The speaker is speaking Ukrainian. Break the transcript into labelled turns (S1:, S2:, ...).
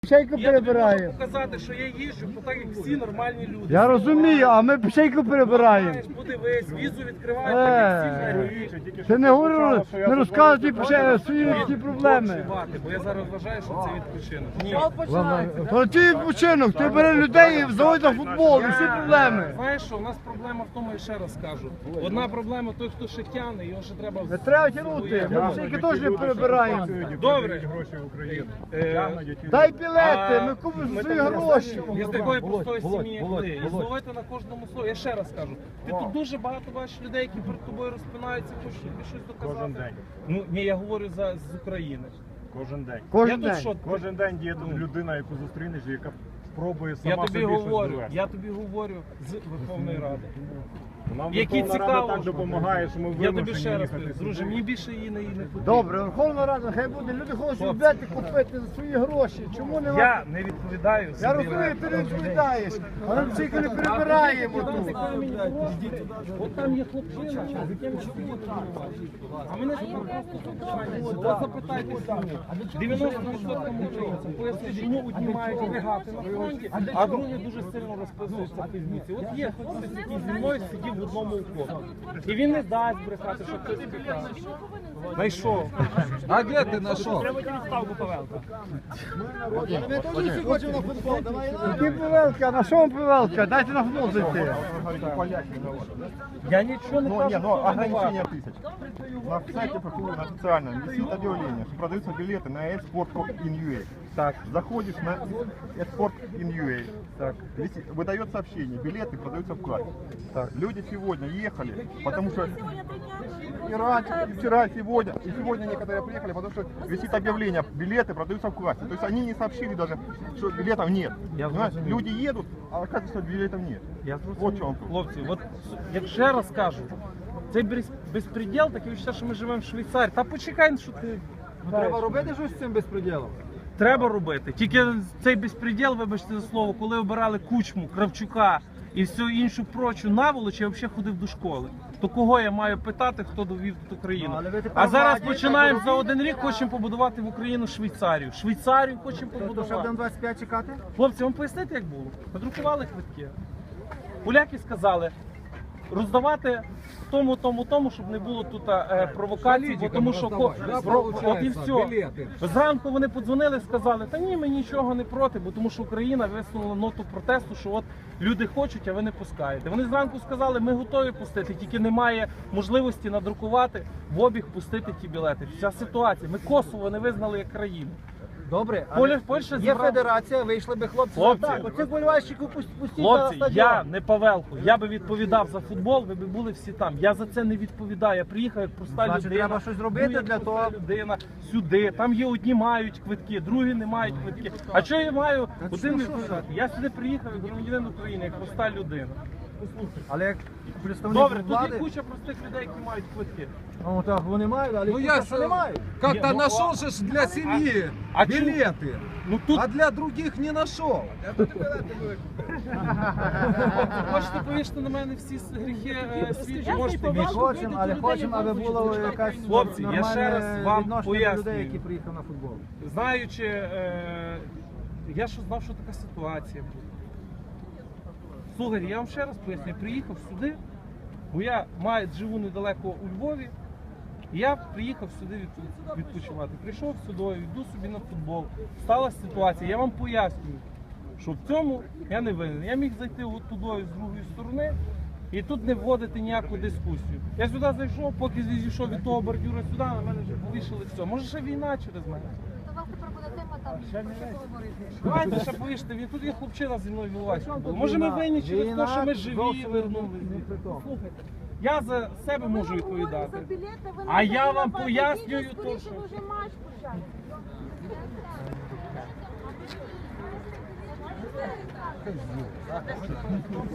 S1: Пшейку
S2: Я тобі можу
S1: перебираємо.
S2: показати, що я їжджу, так як всі нормальні люди.
S1: Я розумію, а ми пшейку перебираємо.
S2: Знаєш, подивись, візу відкривають, так як всі взагалі.
S1: Ти не говорю, не розказуй свої ці проблеми.
S2: Бо я зараз вважаю, що це відпочинок. Ні.
S1: То ти відпочинок, ти бери людей і заводь на футбол, і всі проблеми.
S2: Знаєш що, у нас проблема в тому, я ще раз кажу. Одна проблема той, хто ще тягне, його ще треба...
S1: Не треба тягнути, ми пшейки теж не перебираємо.
S2: Добре.
S1: Дай білети, ми купимо свої гроші.
S2: Я з такої простої сім'ї, як ти. І зловити на кожному слові. Я ще раз кажу, ти тут дуже багато бачиш людей, які перед тобою розпинаються, хочуть тобі щось доказати.
S3: Кожен день.
S2: Ну, ні, я говорю з України.
S3: Кожен день.
S1: Кожен
S2: Я тут
S1: день.
S2: що,
S3: Кожен день є людина, яку зустрінеш, яка спробує сама
S2: я тобі
S3: собі щось
S2: говорю,
S3: довести.
S2: я тобі говорю з Верховної Ради.
S3: Нам
S2: Які
S3: Верховна
S2: цікаво.
S3: Рада так допомагає, що ми
S2: Я тобі
S3: вимушені
S2: ще раз
S3: їхати
S2: кажу,
S3: сюди.
S2: друже, мені більше її не потрібно.
S1: Добре, Верховна Рада, хай буде, люди хочуть білети купити за свої гроші. Чому не
S2: Я не відповідаю.
S1: Я
S2: собі
S1: розумію,
S2: на-
S1: ти не відповідаєш, а ми пшейку не перебираємо тут.
S2: От там є хлопчина, з яким а мене просто запитайте самі. 90% українців пояснюють, чому одні мають лягати на фронті, а другі дуже сильно розписуються в пізниці. От є хтось, який зі мною сидів в одному окопі. І він не дасть брехати, що хтось спікає. Знайшов.
S4: А где ты нашел?
S1: Ми теж всі хочемо на футбол, давай. Які пивелка, на що вам пивелка? Дайте на футбол зайти.
S2: Я нічого не кажу.
S5: Но ограничение тысяч. На сайте ПФУ, на официальном, висит объявление, что продаются билеты на Export.in.ua.
S2: Так.
S5: Заходишь на Export.in.ua. Так. Выдает сообщение, билеты продаются в кассе. Так. Люди сегодня ехали, потому что и раньше, и вчера, и сегодня некоторые приехали, потому что висит объявление, билеты продаются в кассе. То есть они не сообщили даже, что билетов нет. Понимаешь? Люди едут, а оказывается, что билетов нет.
S2: Я
S5: Вот в чем тут.
S2: Хлопці, от як ще раз кажу, цей безпреділ, таке відчуття, що ми живемо в Швейцарії. Та почекай, що ти.
S1: Треба робити щось з цим безпреділом.
S2: Треба робити. Тільки цей безпреділ, вибачте за слово, коли обирали Кучму, Кравчука і всю іншу прочу наволоч, я взагалі ходив до школи. То кого я маю питати, хто довів тут Україну?
S1: Ну, але ви тепер
S2: А зараз
S1: молоді,
S2: починаємо
S1: так
S2: за один рік, хочемо побудувати в Україну Швейцарію. Швейцарію хочемо
S1: То ще
S2: побудувати.
S1: будемо 25 чекати?
S2: Хлопці, вам пояснити, як було? Надрукували квитки. Поляки сказали роздавати тому, щоб не було тут провокацій, бо тому що от і все. Зранку вони подзвонили, сказали, та ні, ми нічого не проти, бо тому що Україна висунула ноту протесту, що от люди хочуть, а ви не пускаєте. Вони зранку сказали, ми готові пустити, тільки немає можливості надрукувати в обіг пустити ті білети. Вся ситуація. Ми Косово не визнали як країну.
S1: Добре,
S2: Польща
S1: є
S2: зібрала-
S1: федерація, вийшли би хлопці.
S2: Хлопці.
S1: Так, оцих болівальщиків пустіть на
S2: Хлопці,
S1: стадіон.
S2: я не Павелко, я би відповідав за футбол, ви б були всі там. Я за це не відповідаю. Я приїхав як проста
S1: Значить,
S2: людина.
S1: треба щось зробити
S2: Ну, як
S1: для
S2: проста
S1: того.
S2: людина сюди. Там є одні мають квитки, другі не мають квитки. А що я маю один відповідати? Я сюди приїхав як громадянин України, як проста людина.
S1: Але як представник
S2: Добре, тут є
S1: влади,
S2: куча простих людей, які мають квитки.
S1: ну так вони мають, але
S4: Ну
S1: їх
S4: я
S1: просто
S4: ж
S1: немає.
S4: как-то
S2: Не, ну,
S4: нашел же ж для семьи
S2: а
S4: билеты,
S2: Ну тут
S4: а для других не нашел.
S2: хочете повісти на мене всі гріхи світі, можете вішати.
S1: Хочемо, але хочемо, аби було якась
S2: Хлопці, я ще раз
S1: нормальне
S2: вам
S1: відношення до
S2: пояснюю.
S1: людей, які приїхали на футбол.
S2: Знаючи, я що знав, що така ситуація буде. Слухайте, я вам ще раз поясню, я приїхав сюди, бо я живу недалеко у Львові, і я приїхав сюди відпочивати. Прийшов сюди, йду собі на футбол. Сталася ситуація, я вам пояснюю, що в цьому я не винен. Я міг зайти от туди з другої сторони і тут не вводити ніяку дискусію. Я сюди зайшов, поки зійшов від того бордюра сюди, на мене вже повішали все. Може ще війна через мене.
S6: То у вас тепер буде тема там, що говорити.
S2: Давайте ще повіште, він тут є хлопчина зі мною вилазить. Може ми винні через те, що ми живі вернулися. Слухайте, я за себе можу відповідати. А я вам пояснюю то, що...
S6: Вже матч почався.